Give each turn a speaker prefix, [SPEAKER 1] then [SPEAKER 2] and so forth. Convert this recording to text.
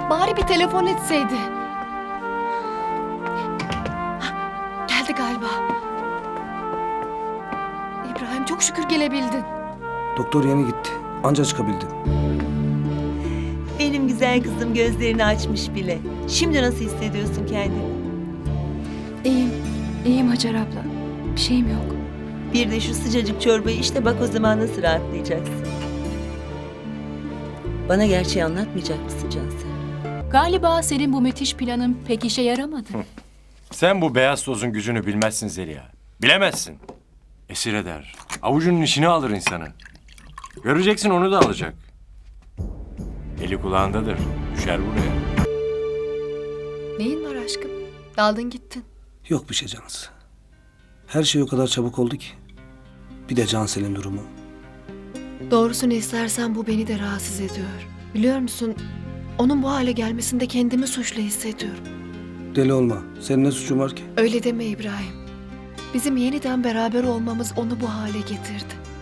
[SPEAKER 1] Bari bir telefon etseydi. Hah, geldi galiba. İbrahim çok şükür gelebildin.
[SPEAKER 2] Doktor yeni gitti. Anca çıkabildim.
[SPEAKER 3] Benim güzel kızım gözlerini açmış bile. Şimdi nasıl hissediyorsun kendini?
[SPEAKER 4] İyiyim Hacer abla. Bir şeyim yok.
[SPEAKER 3] Bir de şu sıcacık çorbayı işte, bak o zaman nasıl rahatlayacaksın. Bana gerçeği anlatmayacak mısın Cansel?
[SPEAKER 5] Galiba senin bu müthiş planın pek işe yaramadı.
[SPEAKER 6] Sen bu beyaz tozun gücünü bilmezsin Zeliha. Bilemezsin. Esir eder. Avucunun içine alır insanı. Göreceksin, onu da alacak. Eli kulağındadır. Düşer buraya.
[SPEAKER 1] Neyin var aşkım? Daldın gittin.
[SPEAKER 2] Yok bir şey Cansu. Her şey o kadar çabuk oldu ki. Bir de Cansel'in durumu.
[SPEAKER 1] Doğrusunu istersen bu beni de rahatsız ediyor. Biliyor musun? Onun bu hale gelmesinde kendimi suçlu hissediyorum.
[SPEAKER 2] Deli olma. Senin ne suçun var ki?
[SPEAKER 1] Öyle deme İbrahim. Bizim yeniden beraber olmamız onu bu hale getirdi.